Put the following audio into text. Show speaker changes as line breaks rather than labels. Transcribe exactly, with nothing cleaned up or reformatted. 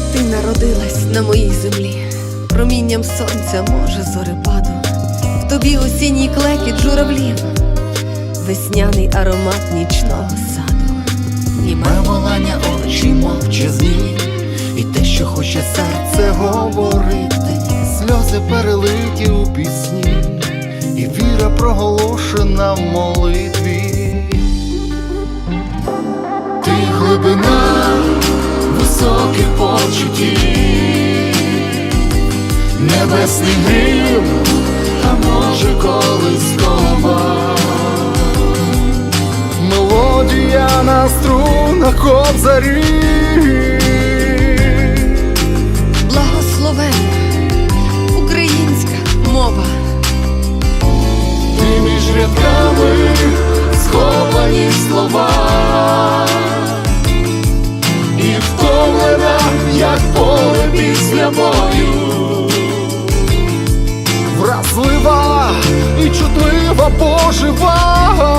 Ти народилась на моїй землі, промінням сонця, може, зорепаду. В тобі осінній клекіт журавлів, весняний аромат нічного саду.
Німе волання очі мовчазні, і те, що хоче серце говорити, сльози перелиті у пісні, і віра проголошена в молитві. Ти глибина високих почуттів, небесний грім, а може колискова, мелодія на струнах кобзарі.
Благословенна українська мова.
Ти між рядками сховані слова, і втомлена, як поле після бою, вразлива і чутлива, пожива.